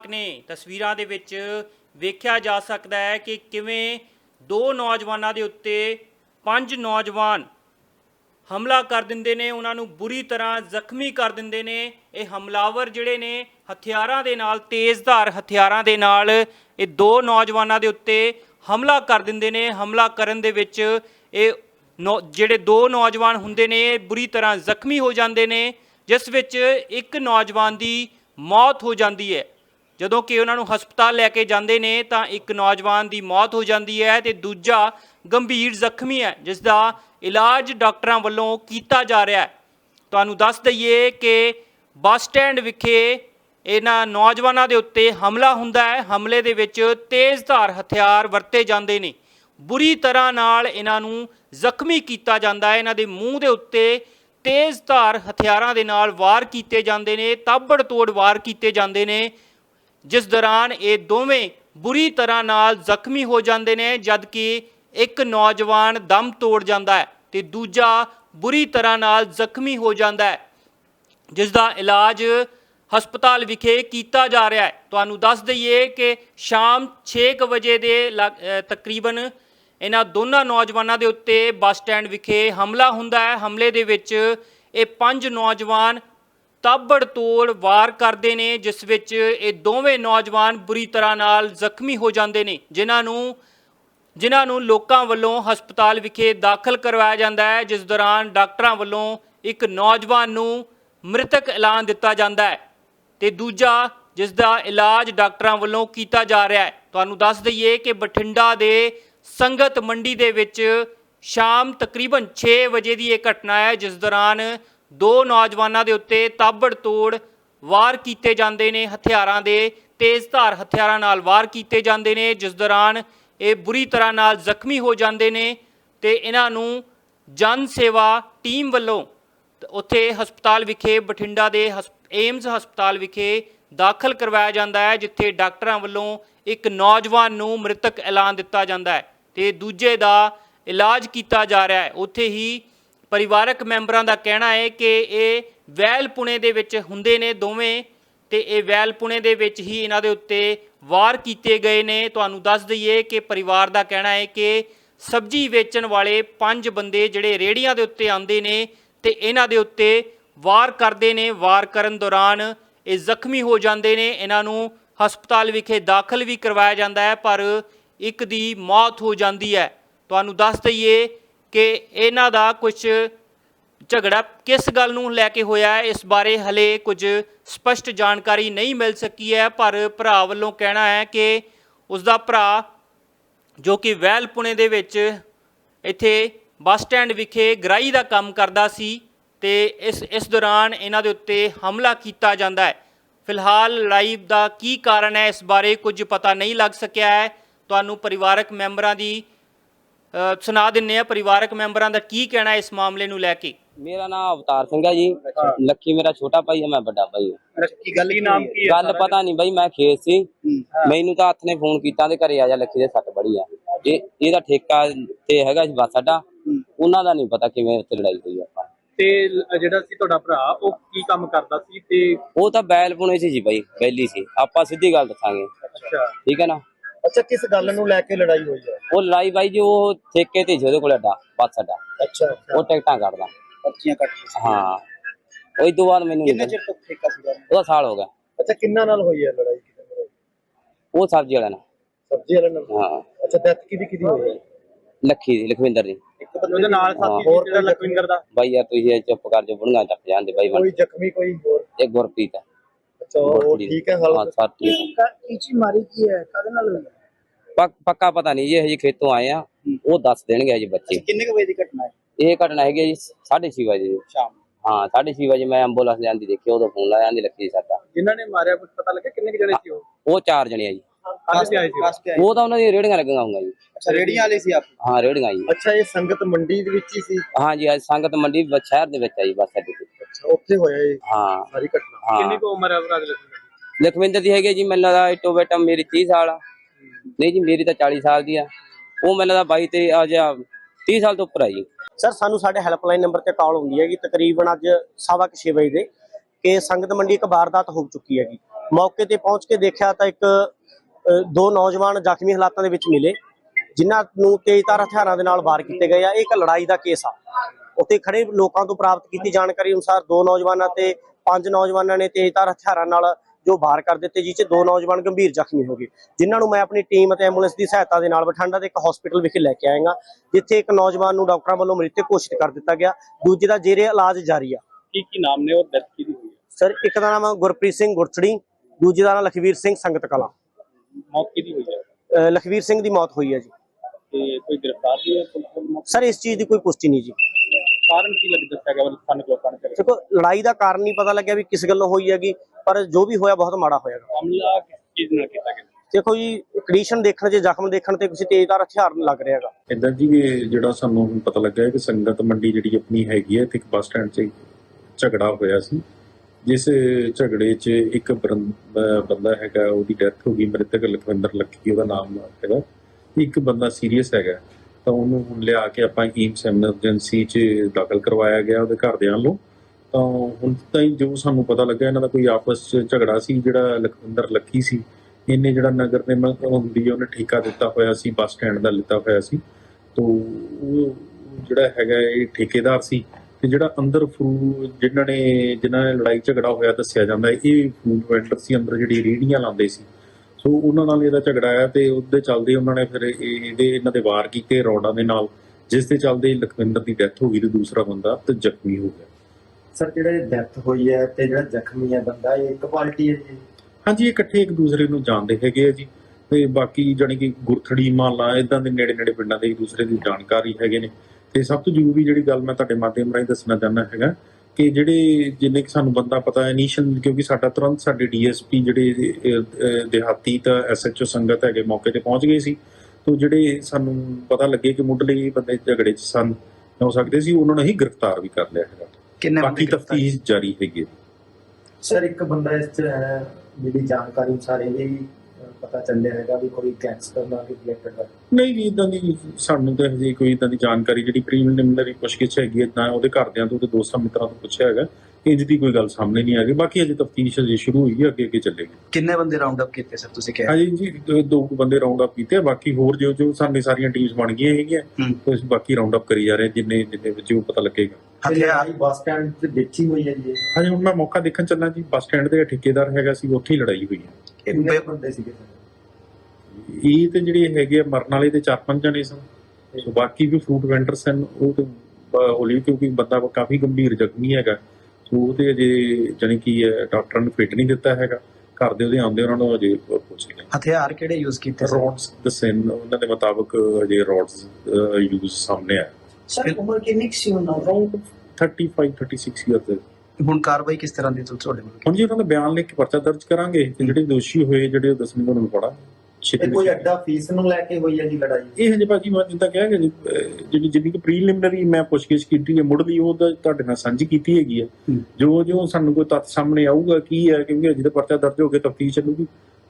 ਨੇ ਤਸਵੀਰਾਂ ਦੇ ਵਿੱਚ ਵੇਖਿਆ ਜਾ ਸਕਦਾ ਹੈ ਕਿ ਕਿਵੇਂ ਦੋ ਨੌਜਵਾਨਾਂ ਦੇ ਉੱਤੇ ਪੰਜ ਨੌਜਵਾਨ ਹਮਲਾ ਕਰ ਦਿੰਦੇ ਨੇ, ਉਹਨਾਂ ਨੂੰ ਬੁਰੀ ਤਰ੍ਹਾਂ ਜ਼ਖਮੀ ਕਰ ਦਿੰਦੇ ਨੇ। ਇਹ ਹਮਲਾਵਰ ਜਿਹੜੇ ਨੇ ਹਥਿਆਰਾਂ ਦੇ ਨਾਲ, ਤੇਜ਼ਧਾਰ ਹਥਿਆਰਾਂ ਦੇ ਨਾਲ ਇਹ ਦੋ ਨੌਜਵਾਨਾਂ ਦੇ ਉੱਤੇ ਹਮਲਾ ਕਰ ਦਿੰਦੇ ਨੇ। ਹਮਲਾ ਕਰਨ ਦੇ ਵਿੱਚ ਇਹ ਜਿਹੜੇ ਦੋ ਨੌਜਵਾਨ ਹੁੰਦੇ ਨੇ ਬੁਰੀ ਤਰ੍ਹਾਂ ਜ਼ਖਮੀ ਹੋ ਜਾਂਦੇ ਨੇ, ਜਿਸ ਵਿੱਚ ਇੱਕ ਨੌਜਵਾਨ ਦੀ ਮੌਤ ਹੋ ਜਾਂਦੀ ਹੈ। ਜਦੋਂ ਕਿ ਉਹਨਾਂ ਨੂੰ ਹਸਪਤਾਲ ਲੈ ਕੇ ਜਾਂਦੇ ਨੇ ਤਾਂ ਇੱਕ ਨੌਜਵਾਨ ਦੀ ਮੌਤ ਹੋ ਜਾਂਦੀ ਹੈ ਤੇ ਦੂਜਾ ਗੰਭੀਰ ਜ਼ਖਮੀ ਹੈ, ਜਿਸ ਦਾ ਇਲਾਜ ਡਾਕਟਰਾਂ ਵੱਲੋਂ ਕੀਤਾ ਜਾ ਰਿਹਾ ਹੈ। ਤੁਹਾਨੂੰ ਦੱਸ ਦਈਏ ਕਿ ਬੱਸ ਸਟੈਂਡ ਵਿਖੇ ਇਹਨਾਂ ਨੌਜਵਾਨਾਂ ਦੇ ਉੱਤੇ ਹਮਲਾ ਹੁੰਦਾ ਹੈ। ਹਮਲੇ ਦੇ ਵਿੱਚ ਤੇਜ਼ਧਾਰ ਹਥਿਆਰ ਵਰਤੇ ਜਾਂਦੇ ਨੇ, ਬੁਰੀ ਤਰ੍ਹਾਂ ਨਾਲ ਇਹਨਾਂ ਨੂੰ ਜ਼ਖਮੀ ਕੀਤਾ ਜਾਂਦਾ ਹੈ। ਇਹਨਾਂ ਦੇ ਮੂੰਹ ਦੇ ਉੱਤੇ ਤੇਜ਼ਧਾਰ ਹਥਿਆਰਾਂ ਦੇ ਨਾਲ ਵਾਰ ਕੀਤੇ ਜਾਂਦੇ ਨੇ, ਤਾਬੜਤੋੜ ਵਾਰ ਕੀਤੇ ਜਾਂਦੇ ਨੇ, ਜਿਸ ਦੌਰਾਨ ਇਹ ਦੋਵੇਂ ਬੁਰੀ ਤਰ੍ਹਾਂ ਨਾਲ ਜ਼ਖਮੀ ਹੋ ਜਾਂਦੇ ਨੇ, ਜਦ ਕਿ ਇੱਕ ਨੌਜਵਾਨ ਦਮ ਤੋੜ ਜਾਂਦਾ ਹੈ ਤੇ ਦੂਜਾ ਬੁਰੀ ਤਰ੍ਹਾਂ ਨਾਲ ਜ਼ਖਮੀ ਹੋ ਜਾਂਦਾ ਹੈ, ਜਿਸ ਦਾ ਇਲਾਜ ਹਸਪਤਾਲ ਵਿਖੇ ਕੀਤਾ ਜਾ ਰਿਹਾ ਹੈ। ਤੁਹਾਨੂੰ ਦੱਸ ਦਈਏ ਕਿ ਸ਼ਾਮ 6 ਵਜੇ ਦੇ ਤਕਰੀਬਨ ਇਹਨਾਂ ਦੋਨਾਂ ਨੌਜਵਾਨਾਂ ਦੇ ਉੱਤੇ ਬੱਸ ਸਟੈਂਡ ਵਿਖੇ ਹਮਲਾ ਹੁੰਦਾ ਹੈ। ਹਮਲੇ ਦੇ ਵਿੱਚ ਇਹ ਪੰਜ ਨੌਜਵਾਨ ਤਾਬੜਤੋੜ ਵਾਰ ਕਰਦੇ ਨੇ, ਜਿਸ ਵਿੱਚ ਇਹ ਦੋਵੇਂ ਨੌਜਵਾਨ ਬੁਰੀ ਤਰ੍ਹਾਂ ਨਾਲ ਜ਼ਖਮੀ ਹੋ ਜਾਂਦੇ ਨੇ, ਜਿਨ੍ਹਾਂ ਨੂੰ ਲੋਕਾਂ ਵੱਲੋਂ ਹਸਪਤਾਲ ਵਿਖੇ ਦਾਖਲ ਕਰਵਾਇਆ ਜਾਂਦਾ ਹੈ। ਜਿਸ ਦੌਰਾਨ ਡਾਕਟਰਾਂ ਵੱਲੋਂ ਇੱਕ ਨੌਜਵਾਨ ਨੂੰ ਮ੍ਰਿਤਕ ਐਲਾਨ ਦਿੱਤਾ ਜਾਂਦਾ ਹੈ ਤੇ ਦੂਜਾ ਜਿਸ ਦਾ ਇਲਾਜ ਡਾਕਟਰਾਂ ਵੱਲੋਂ ਕੀਤਾ ਜਾ ਰਿਹਾ ਹੈ। ਤੁਹਾਨੂੰ ਦੱਸ ਦਈਏ ਕਿ ਬਠਿੰਡਾ ਦੇ ਸੰਗਤ ਮੰਡੀ ਦੇ ਵਿੱਚ ਸ਼ਾਮ ਤਕਰੀਬਨ 6 ਵਜੇ ਦੀ ਇਹ ਘਟਨਾ ਹੈ, ਜਿਸ ਦੌਰਾਨ ਦੋ ਨੌਜਵਾਨਾਂ ਦੇ ਉੱਤੇ ਤਾਬੜਤੋੜ ਵਾਰ ਕੀਤੇ ਜਾਂਦੇ ਨੇ, ਹਥਿਆਰਾਂ ਦੇ ਤੇਜ਼ਧਾਰ ਹਥਿਆਰਾਂ ਨਾਲ ਵਾਰ ਕੀਤੇ ਜਾਂਦੇ ਨੇ, ਜਿਸ ਦੌਰਾਨ ਇਹ ਬੁਰੀ ਤਰ੍ਹਾਂ ਨਾਲ ਜ਼ਖਮੀ ਹੋ ਜਾਂਦੇ ਨੇ ਤੇ ਇਹਨਾਂ ਨੂੰ ਜਨ ਸੇਵਾ ਟੀਮ ਵੱਲੋਂ ਉੱਥੇ ਹਸਪਤਾਲ ਵਿਖੇ, ਬਠਿੰਡਾ ਦੇ ਏਮਜ਼ ਹਸਪਤਾਲ ਵਿਖੇ ਦਾਖਲ ਕਰਵਾਇਆ ਜਾਂਦਾ ਹੈ, ਜਿੱਥੇ ਡਾਕਟਰਾਂ ਵੱਲੋਂ ਇੱਕ ਨੌਜਵਾਨ ਨੂੰ ਮ੍ਰਿਤਕ ਐਲਾਨ ਦਿੱਤਾ ਜਾਂਦਾ ਹੈ ਤੇ ਦੂਜੇ ਦਾ ਇਲਾਜ ਕੀਤਾ ਜਾ ਰਿਹਾ ਹੈ। ਉੱਥੇ ਹੀ ਪਰਿਵਾਰਕ ਮੈਂਬਰਾਂ ਦਾ ਕਹਿਣਾ ਹੈ ਕਿ ਇਹ ਵੈਲਪੁਣੇ ਦੇ ਵਿੱਚ ਹੁੰਦੇ ਨੇ ਦੋਵੇਂ ਤੇ ਇਹ ਵੈਲਪੁਣੇ ਦੇ ਵਿੱਚ ਹੀ ਇਹਨਾਂ ਦੇ ਉੱਤੇ ਵਾਰ ਕੀਤੇ ਗਏ ਨੇ। ਤੁਹਾਨੂੰ ਦੱਸ ਦਈਏ ਕਿ ਪਰਿਵਾਰ ਦਾ ਕਹਿਣਾ ਹੈ ਕਿ ਸਬਜ਼ੀ ਵੇਚਣ ਵਾਲੇ ਪੰਜ ਬੰਦੇ ਜਿਹੜੇ ਰੇਹੜੀਆਂ ਦੇ ਉੱਤੇ ਆਉਂਦੇ ਨੇ ਤੇ ਇਹਨਾਂ ਦੇ ਉੱਤੇ ਵਾਰ ਕਰਦੇ ਨੇ। ਵਾਰ ਕਰਨ ਦੌਰਾਨ ਇਹ ਜ਼ਖਮੀ ਹੋ ਜਾਂਦੇ ਨੇ। ਇਹਨਾਂ ਨੂੰ ਹਸਪਤਾਲ ਵਿਖੇ ਦਾਖਲ ਵੀ ਕਰਵਾਇਆ ਜਾਂਦਾ ਹੈ, ਪਰ ਇੱਕ ਦੀ ਮੌਤ ਹੋ ਜਾਂਦੀ ਹੈ। ਤੁਹਾਨੂੰ ਦੱਸ ਦਈਏ ਕਿ ਇਹਨਾਂ ਦਾ ਕੁਝ ਝਗੜਾ ਕਿਸ ਗੱਲ ਨੂੰ ਲੈ ਕੇ ਹੋਇਆ ਹੈ, ਇਸ ਬਾਰੇ ਹਲੇ ਕੁਝ ਸਪਸ਼ਟ ਜਾਣਕਾਰੀ ਨਹੀਂ ਮਿਲ ਸਕੀ ਹੈ, ਪਰ ਭਰਾ ਵੱਲੋਂ ਕਹਿਣਾ ਹੈ ਕਿ ਉਸ ਦਾ ਭਰਾ ਜੋ ਕਿ ਵੈਲਪੁਣੇ ਦੇ ਵਿੱਚ ਇੱਥੇ ਬੱਸ ਸਟੈਂਡ ਵਿਖੇ ਗਰਾਈ ਦਾ ਕੰਮ ਕਰਦਾ ਸੀ ਤੇ ਇਸ ਦੌਰਾਨ ਇਹਨਾਂ ਦੇ ਉੱਤੇ ਹਮਲਾ ਕੀਤਾ ਜਾਂਦਾ ਹੈ। ਫਿਲਹਾਲ ਲੜਾਈ ਦਾ ਕੀ ਕਾਰਨ ਹੈ, ਇਸ ਬਾਰੇ ਕੁਝ ਪਤਾ ਨਹੀਂ ਲੱਗ ਸਕਿਆ ਹੈ। ਤੁਹਾਨੂੰ ਪਰਿਵਾਰਕ ਮੈਂਬਰਾਂ ਦੀ ਸੁਣਾ ਦਿੰਦੇ ਆ, ਪਰਿਵਾਰਕ ਮੈਂਬਰਾਂ ਦਾ ਕੀ ਕਹਿਣਾ ਇਸ ਮਾਮਲੇ ਨੂੰ ਲੈ ਕੇ। मेरा नाम अवतार सिंह है जी। लक्की मेरा छोटा भाई है, मैं बड़ा भाई हूँ। गल पता नहीं भाई, मैं खेत सी, मैनू तो हथ ने फोन किया ते घरे आ जा, लक्की दे सट बड़ी है। ਇਹਦਾ ਠੇਕਾ ਤੇ ਹੈਗਾ ਸੀ ਬੱਸ ਅੱਡਾ, ਉਹਨਾਂ ਦਾ ਨਹੀਂ ਪਤਾ ਕਿਵੇਂ ਉੱਥੇ ਲੜਾਈ ਹੋਈ ਆਪਾਂ। ਤੇ ਜਿਹੜਾ ਸੀ ਤੁਹਾਡਾ ਭਰਾ, ਉਹ ਕੀ ਕੰਮ ਕਰਦਾ ਸੀ? ਤੇ ਉਹ ਤਾਂ ਬੈਲ ਪੁਣੇ ਸੀ ਜੀ ਬਾਈ, ਬੈਲੀ ਸੀ। ਆਪਾਂ ਸਿੱਧੀ ਗੱਲ ਦੱਸਾਂਗੇ, ਅੱਛਾ ਠੀਕ ਹੈ ਨਾ। ਅੱਛਾ, ਕਿਸ ਗੱਲ ਨੂੰ ਲੈ ਕੇ ਲੜਾਈ ਹੋਈ ਹੈ? ਉਹ ਲੜਾਈ ਬਾਈ ਜੀ ਉਹ ਠੇਕੇ ਤੇ ਸੀ ਉਹਦੇ ਕੋਲ ਅੱਡਾ, ਬੱਸ ਅੱਡਾ। ਅੱਛਾ, ਉਹ ਟਿਕਟਾਂ ਕੱਢਦਾ। ਪਰਚੀਆਂ ਕੱਟ ਹਾਂ, ਉਹ ਤੋਂ ਬਾਅਦ ਮੈਨੂੰ ਕਿੰਨੇ ਚਿਰ ਤੋਂ ਠੇਕਾ ਸੀਗਾ? ਉਹਦਾ ਸਾਲ ਹੋ ਗਿਆ। ਅੱਛਾ, ਕਿੰਨਾ ਨਾਲ ਹੋਈ ਹੈ ਲੜਾਈ? ਕਿਹਦੇ ਨਾਲ? ਉਹ ਸਬਜ਼ੀ ਵਾਲਾ ਨਾਲ। ਸਬਜ਼ੀ ਵਾਲੇ ਨਾਲ? ਹਾਂ। ਅੱਛਾ, ਡੈਥ ਕਿਹਦੀ ਹੋਈ ਹੈ? ਲੱਖੀ ਦੀ, ਲਖਵਿੰਦਰ ਦੀ। ਇੱਕ ਬੰਦੇ ਉਹਦੇ ਨਾਲ ਸਾਥੀ ਸੀ ਜਿਹੜਾ ਲਖਵਿੰਦਰ ਦਾ। ਬਾਈ ਯਾਰ ਤੁਸੀਂ ਚੁੱਪ ਕਰ ਜੋ, ਬੁੜੀਆਂ ਚੱਕ ਜਾਂਦੇ ਬਾਈ। ਕੋਈ ਜ਼ਖਮੀ ਕੋਈ ਹੋਰ? ਇਹ ਗੁਰਪ੍ਰੀਤ ਹੈ। ਅੱਛਾ, ਉਹ ਠੀਕ ਹੈ ਹਾਲ? ਹਾਂ ਸਰ ਠੀਕ ਹੈ। ਕੀਚੀ ਮਾਰੀ ਕੀ ਹੈ, ਕਾਹਦੇ ਨਾਲ ਹੋਈ? ਪੱਕਾ ਪਤਾ ਨਹੀਂ ਜੀ, ਹਜੇ ਖੇਤੋਂ ਆਏ ਆ, ਉਹ ਦੱਸ ਦੇਣਗੇ ਜੀ ਬੱਚੇ। ਕਿੰਨੇ ਕੁ ਵਜੇ ਦੀ ਘਟਨਾ ਹੈ ਇਹ? ਘਟਨਾ ਹੈਗੀ ਜੀ 6:30 ਵਜੇ ਜੀ ਸ਼ਾਮ। ਹਾਂ 6:30 ਵਜੇ ਮੈਂ ਐਂਬੂਲੈਂਸ ਜਾਂਦੀ ਦੇਖੀ, ਉਦੋਂ ਫੋਨ ਲਾਇਆ, ਆਂਦੀ ਲੱਖੀ ਸਾਡਾ। ਜਿਨ੍ਹਾਂ ਨੇ ਮਾਰਿਆ ਕੁਝ ਪਤਾ ਲੱਗਿਆ ਕਿੰਨੇ ਜਣੇ ਸੀ? ਉਹ 4 ਜਣੇ ਆ ਜੀ। ਕਾਹਦੇ ਆਏ ਸੀ? ਉਹ ਤਾਂ ਉਹਨਾਂ ਦੀ ਰੇੜੀਆਂ ਲੱਗੀਆਂ ਹੋਊਗਾ ਜੀ। ਅੱਛਾ, ਰੇੜੀਆਂ ਵਾਲੇ ਸੀ ਆਪ? ਹਾਂ ਰੇੜੀਆਂ ਜੀ। ਅੱਛਾ, ਇਹ ਸੰਗਤ ਮੰਡੀ ਦੇ ਵਿੱਚ ਹੀ ਸੀ? ਹਾਂ ਜੀ, ਅੱਜ ਸੰਗਤ ਮੰਡੀ ਸ਼ਹਿਰ ਦੇ ਵਿੱਚ ਆ ਜੀ, ਬੱਸ ਅੱਡੇ ਤੇ। ਅੱਛਾ, ਉੱਥੇ ਹੋਇਆ ਇਹ ਹਾਂ ਸਾਰੀ ਘਟਨਾ? ਕਿੰਨੀ ਹਾਂ। ਕੁ ਉਮਰ ਹੈ ਭਰਾ ਦੀ? ਲਖਵਿੰਦਰ ਦੀ ਹੈਗੀ ਜੀ, ਮੈਨੂੰ ਲੱਗਦਾ ਇਟੋ ਬੇਟਾ ਮੇਰੀ 30 ਸਾਲ ਆ। ਨਹੀਂ ਜੀ, ਮੇਰੀ ਤਾਂ 40 ਸਾਲ ਦੀ ਆ। ਉਹ ਮੈਨੂੰ ਲੱਗਦਾ 22 ਤੇ ਆ ਜਾ 30 ਸਾਲ ਤੋਂ ਉੱਪਰ ਆ ਜੀ। ਸਰ, ਸਾਨੂੰ ਸਾਡੇ ਹੈਲਪਲਾਈਨ ਨੰਬਰ ਤੇ ਕਾਲ ਹੁੰਦੀ ਹੈ ਕਿ ਤਕਰੀਬਨ ਅੱਜ 6:15 ਵਜੇ ਦੇ ਕਿ ਸੰਗਤ ਮੰਡੀ ਇੱਕ ਵਾਰਦਾਤ ਹੋ ਚੁੱਕੀ ਹੈਗੀ, ਮੌਕੇ ਤੇ ਪਹੁੰਚ ਕੇ ਦੇਖਿਆ ਤਾਂ ਇੱਕ ਦੋ ਨੌਜਵਾਨ ਜ਼ਖਮੀ ਹਾਲਾਤਾਂ ਦੇ ਵਿੱਚ ਮਿਲੇ, ਜਿਨ੍ਹਾਂ ਨੂੰ ਤੇਜ਼ਧਾਰ ਹਥਿਆਰਾਂ ਦੇ ਨਾਲ ਵਾਰ ਕੀਤੇ ਗਏ ਆ। ਇਹ ਇੱਕ ਲੜਾਈ ਦਾ ਕੇਸ ਆ। ਉੱਥੇ ਖੜੇ ਲੋਕਾਂ ਤੋਂ ਪ੍ਰਾਪਤ ਕੀਤੀ ਜਾਣਕਾਰੀ ਅਨੁਸਾਰ 2 ਨੌਜਵਾਨਾਂ ਤੇ 5 ਨੌਜਵਾਨਾਂ ਨੇ ਤੇਜ਼ਧਾਰ ਹਥਿਆਰਾਂ ਨਾਲ ਜੋ ਵਾਰ ਕਰ ਦਿੱਤੇ, ਜਿਸ 'ਚ 2 ਨੌਜਵਾਨ ਗੰਭੀਰ ਜ਼ਖਮੀ ਹੋ ਗਏ, ਜਿਨ੍ਹਾਂ ਨੂੰ ਮੈਂ ਆਪਣੀ ਟੀਮ ਅਤੇ ਐਂਬੂਲੈਂਸ ਦੀ ਸਹਾਇਤਾ ਦੇ ਨਾਲ ਬਠਿੰਡਾ ਦੇ ਇੱਕ ਹਸਪੀਟਲ ਵਿਖੇ ਲੈ ਕੇ ਆਏਗਾ, ਜਿੱਥੇ ਇੱਕ ਨੌਜਵਾਨ ਨੂੰ ਡਾਕਟਰਾਂ ਵੱਲੋਂ ਮ੍ਰਿਤਕ ਘੋਸ਼ਿਤ ਕਰ ਦਿੱਤਾ ਗਿਆ, ਦੂਜੇ ਦਾ ਜੇਰੇ ਇਲਾਜ ਜਾਰੀ ਆ। ਕੀ ਨਾਮ ਨੇ ਉਹ ਡੈਥ ਕਿਹਦੀ ਹੋਈ ਹੈ? ਸਰ, ਇੱਕ ਦਾ ਨਾਮ ਗੁਰਪ੍ਰੀਤ ਸਿੰਘ ਗੁਰਚੜੀ, ਦੂਜੇ ਦਾ ਨਾਮ ਲਖਵੀਰ ਸਿੰਘ ਸੰਗਤ ਕਲਾਂ। ਮੌਤ ਕਿਹਦੀ ਹੋਈ ਹੈ? ਲਖਵੀਰ ਸਿੰਘ ਦੀ ਮੌਤ ਹੋਈ ਹੈ ਜੀ। ਤੇ ਕੋਈ ਗ੍ਰਿਫਤਾਰ ਵੀ ਹੈ ਪੁਲਿਸ ਵੱਲੋਂ? ਸਰ, ਇਸ ਚੀਜ਼ ਦੀ ਕੋਈ ਪੁਸ਼ਟੀ ਨਹੀਂ ਜੀ। ਕਾਰਨ ਕੀ ਲੱਗ ਦੱਸਿਆ ਗਿਆ ਸਥਾਨਕ ਲੋਕਾਂ ਨੇ? ਦੇਖੋ, ਲੜਾਈ ਦਾ ਕਾਰਨ ਨਹੀਂ ਪਤਾ ਲੱਗਿਆ ਵੀ ਕਿਸ ਗੱਲੋਂ ਹੋਈ ਹੈਗੀ, ਪਰ ਜੋ ਵੀ ਹੋਇਆ ਬਹੁਤ ਮਾੜਾ ਹੋਇਆ। ਹਮਲਾ ਕਿਸ ਚੀਜ਼ ਨਾਲ ਕੀਤਾ ਗਿਆ? ਦੇਖੋ ਜੀ, ਕੰਡੀਸ਼ਨ ਦੇਖਣ 'ਚ, ਜ਼ਖਮ ਦੇਖਣ ਤੇ ਕਿਸੇ ਤੇਜ਼ਧਾਰ ਹਥਿਆਰ ਨੂੰ ਲੱਗ ਰਿਹਾ ਹੈਗਾ। ਇਦਾਂ ਜੀ ਇਹ ਜਿਹੜਾ ਸਾਨੂੰ ਹੁਣ ਪਤਾ ਲੱਗਾ ਹੈ ਕਿ ਸੰਗਤ ਮੰਡੀ ਜਿਹੜੀ ਆਪਣੀ ਹੈਗੀ ਹੈ ਤੇ ਇੱਕ ਬੱਸ ਸਟੈਂਡ 'ਚ ਝਗੜਾ ਹੋਇਆ ਸੀ, ਜਿਸ ਝਗੜੇ 'ਚ ਇੱਕ ਬੰਦਾ ਹੈਗਾ ਉਹਦੀ ਡੈਥ ਹੋ ਗਈ, ਮ੍ਰਿਤਕ ਲਖਵਿੰਦਰ ਲੱਖੀ ਉਹਦਾ ਨਾਮ ਹੈਗਾ। ਇੱਕ ਬੰਦਾ ਸੀਰੀਅਸ ਹੈਗਾ, ਤਾਂ ਉਹਨੂੰ ਹੁਣ ਲਿਆ ਕੇ ਆਪਾਂ ਈਮਸ ਐਮਰਜੈਂਸੀ 'ਚ ਦਾਖਲ ਕਰਵਾਇਆ ਗਿਆ ਉਹਦੇ ਘਰਦਿਆਂ ਵੱਲੋਂ। ਤਾਂ ਹੁਣ ਤਾਈਂ ਜੋ ਸਾਨੂੰ ਪਤਾ ਲੱਗਾ ਇਹਨਾਂ ਦਾ ਕੋਈ ਆਪਸ 'ਚ ਝਗੜਾ ਸੀ। ਜਿਹੜਾ ਲਖਵਿੰਦਰ ਲੱਖੀ ਸੀ, ਇਹਨੇ ਜਿਹੜਾ ਨਗਰ ਨਿਗਮ ਹੁੰਦੀ ਹੈ ਉਹਨੇ ਠੇਕਾ ਦਿੱਤਾ ਹੋਇਆ ਸੀ, ਬੱਸ ਸਟੈਂਡ ਦਾ ਲਿੱਤਾ ਹੋਇਆ ਸੀ। ਤੋਂ ਉਹ ਜਿਹੜਾ ਹੈਗਾ ਇਹ ਠੇਕੇਦਾਰ ਸੀ, ਤੇ ਜਿਹੜਾ ਅੰਦਰ ਜਿਨ੍ਹਾਂ ਨੇ ਲੜਾਈ ਝਗੜਾ ਹੋਇਆ ਦੱਸਿਆ ਜਾਂਦਾ ਇਹ ਫੂਡ ਵੈਂਡਰ ਸੀ, ਅੰਦਰ ਜਿਹੜੀ ਰੇਹੜੀਆਂ ਲਾਉਂਦੇ ਸੀ। ਸੋ ਉਹਨਾਂ ਨਾਲ ਇਹਦਾ ਝਗੜਾ ਆਇਆ ਤੇ ਉਹਦੇ ਚੱਲਦੇ ਉਹਨਾਂ ਨੇ ਫਿਰ ਇਹਨਾਂ ਦੇ ਵਾਰ ਕੀਤੇ ਰੋਡਾਂ ਦੇ ਨਾਲ, ਜਿਸ ਦੇ ਚੱਲਦੇ ਲਖਵਿੰਦਰ ਦੀ ਡੈਥ ਹੋ ਗਈ ਤੇ ਦੂਸਰਾ ਬੰਦਾ ਤੇ ਜ਼ਖਮੀ ਹੋ ਗਿਆ। ਸਰ, ਜਿਹੜਾ ਡੈਥ ਹੋਈ ਹੈ ਤੇ ਜਿਹੜਾ ਜ਼ਖਮੀ ਹੈ ਬੰਦਾ, ਇਹ ਇੱਕ ਪਾਰਟੀ ਹੈ ਜੀ? ਹਾਂਜੀ, ਇਹ ਇਕੱਠੇ ਇੱਕ ਦੂਸਰੇ ਨੂੰ ਜਾਣਦੇ ਹੈਗੇ ਆ ਜੀ। ਤੇ ਬਾਕੀ ਜਾਣੀ ਕਿ ਗੁਰਥੜੀ ਮਾਲਾ ਇਦਾਂ ਦੇ ਨੇੜੇ ਦੂਸਰੇ ਦੀ ਜਾਣਕਾਰੀ ਹੈਗੇ ਨੇ। ਤੇ ਸਭ ਤੋਂ ਜ਼ਰੂਰੀ ਜਿਹੜੀ ਗੱਲ ਮੈਂ ਤੁਹਾਡੇ ਮਾਧਿਅਮ ਰਾਹੀਂ ਦੱਸਣਾ ਚਾਹੁੰਦਾ ਹੈਗਾ ਕਿ ਜਿੰਨੇ ਕਿ ਸਾਨੂੰ ਬੰਦਾ ਪਤਾ ਇਨੀਸ਼ੀਅਲ, ਕਿਉਂਕਿ ਸਾਡਾ ਤੁਰੰਤ ਸਾਡੇ ਡੀਐਸਪੀ ਜਿਹੜੇ ਦਿਹਾਤੀ ਤਾਂ ਐਸਐਚਓ ਸੰਗਤ ਹੈਗੇ ਮੌਕੇ ਤੇ ਪਹੁੰਚ ਗਏ ਸੀ। ਤੋਂ ਜਿਹੜੇ ਸਾਨੂੰ ਪਤਾ ਲੱਗੇ ਕਿ ਮੁੱਢਲੇ ਬੰਦੇ ਝਗੜੇ 'ਚ ਹੋ ਸਕਦੇ ਸੀ, ਉਹਨਾਂ ਨੂੰ ਹੀ ਗ੍ਰਿਫਤਾਰ ਵੀ ਕਰ ਲਿਆ ਹੈਗਾ। ਬਾਕੀ ਤਫਤੀਸ਼ ਜਾਰੀ ਹੈਗੀ। ਸਰ, ਇੱਕ ਬੰਦਾ ਇਸ 'ਚ ਹੈ ਜਿਹੜੀ ਜਾਣਕਾਰੀ ਅਨੁਸਾਰ ਇਹ ਵੀ ਪਤਾ ਚੱਲਿਆ ਹੈਗਾ ਵੀ ਕੋਈ ਗੈਂਗਸਟਰ ਨਾਲ ਰਿਲੇਟਡ ਹੈ? ਨਹੀਂ ਜੀ, ਇਦਾਂ ਦੀ ਸਾਨੂੰ ਤਾਂ ਹਜੇ ਕੋਈ ਇਦਾਂ ਦੀ ਜਾਣਕਾਰੀ ਜਿਹੜੀ ਪ੍ਰੀਲਿਮਿਨਰੀ ਪੁੱਛਗਿੱਛ ਹੈਗੀ ਨਾ ਉਹਦੇ ਘਰਦਿਆਂ ਤੋਂ ਤੇ ਦੋਸਤਾਂ ਮਿੱਤਰਾਂ ਤੋਂ ਪੁੱਛਿਆ ਹੈਗਾ, ਇੰਜ ਦੀ ਕੋਈ ਗੱਲ ਸਾਹਮਣੇ ਨਹੀਂ ਆ ਗਈ। ਬਾਕੀ ਅਜੇ ਤਫਤੀਸ਼ ਅਜੇ ਸ਼ੁਰੂ ਹੋਈ ਹੈ, ਅੱਗੇ ਚੱਲੇਗੀ। ਕਿੰਨੇ ਬੰਦੇ ਰਾਉਂਡ ਅਪ ਕੀਤੇ ਸਰ ਤੁਸੀਂ ਕਿਹਾ? ਹਾਂਜੀ ਜੀ, 2 ਬੰਦੇ ਰਾਉਂਡ ਅਪ ਕੀਤੇ, ਬਾਕੀ ਹੋਰ ਜੋ ਸਾਡੀ ਸਾਰੀਆਂ ਟੀਮਸ ਬਣ ਗਈਆਂ ਹੈਗੀਆਂ, ਤੇ ਅਸੀਂ ਬਾਕੀ ਰਾਉਂਡ ਅਪ ਕਰੀ ਜਾ ਰਹੇ ਜਿੰਨੇ ਵਿੱਚ ਉਹ ਪਤਾ ਲੱਗੇਗਾ। ਲੜਾਈ ਬੱਸ ਸਟੈਂਡ ਤੇ ਵਿੱਚ ਹੀ ਹੋਈ ਹੈ ਜੀ? ਹਾਂਜੀ, ਹੁਣ ਮੈਂ ਮੌਕਾ ਦੇਖਣ ਚੱਲਾਂ ਜੀ। ਬੱਸ ਸਟੈਂਡ ਦੇ ਠੇਕੇਦਾਰ ਹੈਗਾ ਸੀ, ਉੱਥੇ ਹੀ ਲੜਾਈ ਹੋਈ ਹੈ। ਕਿੰਨੇ ਬੰਦੇ ਸੀਗੇ? ਇਹ ਤੇ ਜਿਹੜੇ ਹੈਗੇ ਆ ਮਰਨ ਵਾਲੇ ਤੇ 4-5 ਜਣੇ ਸਨ। ਸੋ ਬਾਕੀ ਵੀ ਫਰੂਟ ਵੈਂਡਰ ਸਨ, ਉਹ ਤੇ ਹੌਲੀ, ਕਿਉਂਕਿ ਬੰਦਾ ਕਾਫੀ ਗੰਭੀਰ ਜ਼ਖਮੀ ਹੈਗਾ। ਸੋ ਉਹ ਤੇ ਅਜੇ ਜਾਣੀ ਕਿ ਡਾਕਟਰਾਂ ਨੂੰ ਫਿੱਟ ਨਹੀਂ ਦਿੱਤਾ ਹੈਗਾ। ਘਰ ਦੇ ਉਹਦੇ ਆਉਂਦੇ ਉਹਨਾਂ ਨੂੰ ਅਜੇ ਪੁੱਛ ਰਹੇ। ਹਥਿਆਰ ਕਿਹੜੇ ਯੂਜ਼ ਕੀਤੇ? ਰੋਡਸ ਦੱਸੇ ਉਹਨਾਂ ਦੇ ਮੁਤਾਬਕ ਅਜੇ ਰੋਡਸ ਯੂਜ਼ ਸਾਹਮਣੇ ਆਇਆ। ਸਰ, ਉਮਰ ਕਿੰਨੀ ਸੀ ਉਹਨਾਂ ਦੀ? ਅਰਾਊਂਡ 35-36 ਇਅਰਸ ਦੇ। ਹੁਣ ਕਾਰਵਾਈ ਕਿਸ ਤਰ੍ਹਾਂ ਦੀ ਤੁਹਾਡੇ ਵੱਲੋਂ? ਹੁਣ ਜੀ ਉਹਨਾਂ ਦਾ ਬਿਆਨ ਲਿਖ ਕੇ ਪਰਚਾ ਦਰਜ ਕਰਾਂਗੇ ਤੇ ਜਿਹੜੇ ਦੋਸ਼ੀ ਹੋਏ ਜਿਹੜੇ ਉਹ ਦੱਸਣਗੇ ਉਹਨਾਂ ਨੂੰ ਪੜਾ। ਕੋਈ ਅੱਡਾ ਫੀਸ ਨੂੰ ਲੈ ਕੇ ਹੋਈ ਹੈ ਜੀ ਲੜਾਈ? ਇਹ ਹਜੇ ਭਾਜੀ ਮੈਂ ਜਿੱਦਾਂ ਕਿਹਾ ਕਿ ਜਿੰਨੀ ਕਿ ਪ੍ਰੀਲਿਮਿਨਰੀ ਮੈਂ ਪੁੱਛਗਿੱਛ ਕੀਤੀ ਹੈ, ਮੁੱਢਲੀ ਉਹ ਤੁਹਾਡੇ ਨਾਲ ਸਾਂਝੀ ਕੀਤੀ ਹੈਗੀ ਹੈ। ਜੋ ਸਾਨੂੰ ਕੋਈ ਤੱਥ ਸਾਹਮਣੇ ਆਊਗਾ ਕੀ ਹੈ, ਕਿਉਂਕਿ ਅਜੇ ਤਾਂ ਪਰਚਾ ਦਰਜ ਹੋ ਕੇ ਤਫਤੀਸ਼ ਚੱਲੂਗੀ।